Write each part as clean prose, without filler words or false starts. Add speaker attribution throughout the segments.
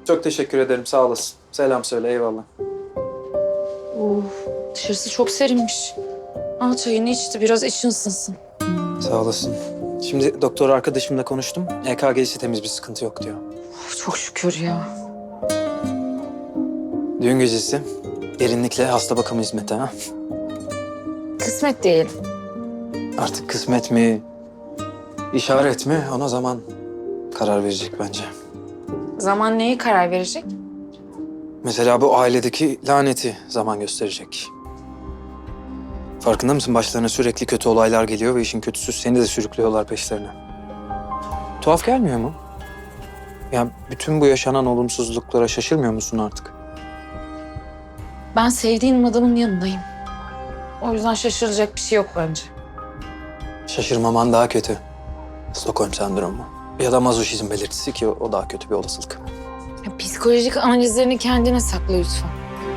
Speaker 1: Çok teşekkür ederim, sağ olasın. Selam söyle, eyvallah.
Speaker 2: Of, dışarısı çok serinmiş. Al çayını içti, biraz için ısınsın.
Speaker 1: Sağ olasın. Şimdi doktor arkadaşımla konuştum. EKG'si temiz, bir sıkıntı yok diyor.
Speaker 2: Of, çok şükür ya.
Speaker 1: Düğün gecesi derinlikle hasta bakımı hizmeti ha.
Speaker 2: Kısmet diyelim.
Speaker 1: Artık kısmet mi, işaret mi ona zaman karar verecek bence.
Speaker 2: Zaman neye karar verecek?
Speaker 1: Mesela bu ailedeki laneti zaman gösterecek. Farkında mısın? Başlarına sürekli kötü olaylar geliyor ve işin kötüsü seni de sürüklüyorlar peşlerine. Tuhaf gelmiyor mu? Ya bütün bu yaşanan olumsuzluklara şaşırmıyor musun artık?
Speaker 2: Ben sevdiğim adamın yanındayım. O yüzden şaşıracak bir şey yok bence.
Speaker 1: Şaşırmaman daha kötü. Stockholm sendromu. Ya da mazoşizm belirtisi ki o daha kötü bir olasılık.
Speaker 2: Ya, psikolojik analizlerini kendine sakla lütfen.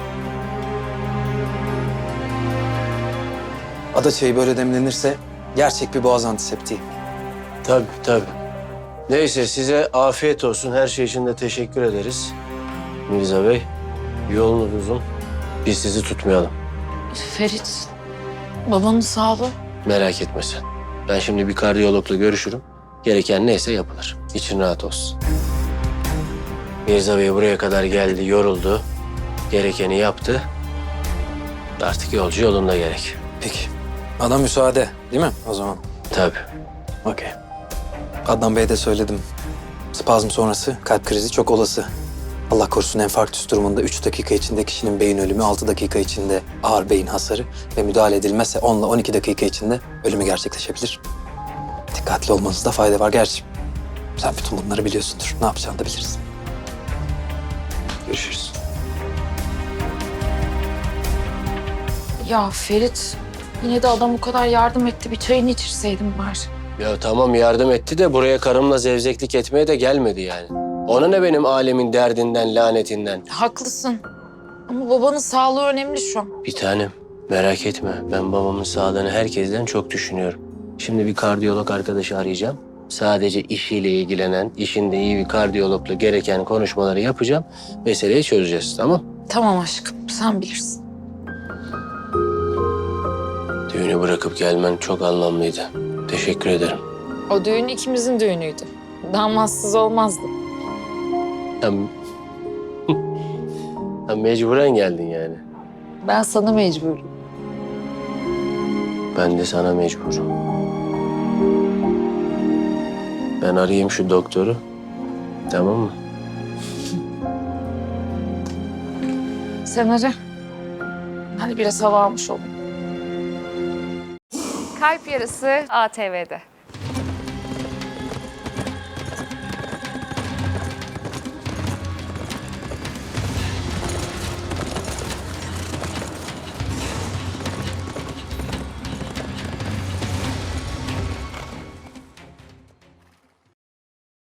Speaker 1: Ada çayı böyle demlenirse gerçek bir boğaz antiseptiği.
Speaker 3: Tabii tabii. Neyse size afiyet olsun. Her şey için de teşekkür ederiz. Mirza Bey, yolunuz uzun. Biz sizi tutmayalım.
Speaker 2: Ferit, babanın sağlığı.
Speaker 3: Merak etme sen. Ben şimdi bir kardiyologla görüşürüm. Gereken neyse yapılır. İçin rahat olsun. Mirza Bey buraya kadar geldi, yoruldu. Gerekeni yaptı. Artık yolcu yolunda gerek.
Speaker 1: Peki. Bana müsaade değil mi o zaman?
Speaker 3: Tabii.
Speaker 1: Okey. Adnan Bey'e de söyledim. Spazm sonrası kalp krizi çok olası. Allah korusun enfarktüs durumunda 3 dakika içinde kişinin beyin ölümü, 6 dakika içinde ağır beyin hasarı ve müdahale edilmezse 10 ile 12 dakika içinde ölümü gerçekleşebilir. Dikkatli olmanızda fayda var gerçi. Sen bütün bunları biliyorsundur. Ne yapacağını da bilirsin. Görüşürüz.
Speaker 2: Ya Ferit, yine de adam o kadar yardım etti. Bir çayını içirseydim bari.
Speaker 3: Ya tamam yardım etti de buraya karımla zevzeklik etmeye de gelmedi yani. Ona ne benim alemin derdinden, lanetinden?
Speaker 2: Haklısın. Ama babanın sağlığı önemli şu an.
Speaker 3: Bir tanem, merak etme. Ben babamın sağlığını herkesten çok düşünüyorum. Şimdi bir kardiyolog arkadaşı arayacağım. Sadece işiyle ilgilenen, işinde iyi bir kardiyologla gereken konuşmaları yapacağım. Meseleyi çözeceğiz, tamam?
Speaker 2: Tamam aşkım, sen bilirsin.
Speaker 3: Düğünü bırakıp gelmen çok anlamlıydı. Teşekkür ederim.
Speaker 2: O düğün ikimizin düğünüydü. Damatsız olmazdı.
Speaker 3: Ya, ya mecburen geldin yani.
Speaker 2: Ben sana mecburum.
Speaker 3: Ben de sana mecburum. Ben arayayım şu doktoru. Tamam mı?
Speaker 2: Sen ara. Hadi biraz hava almış olayım.
Speaker 4: Kalp Yarısı ATV'de.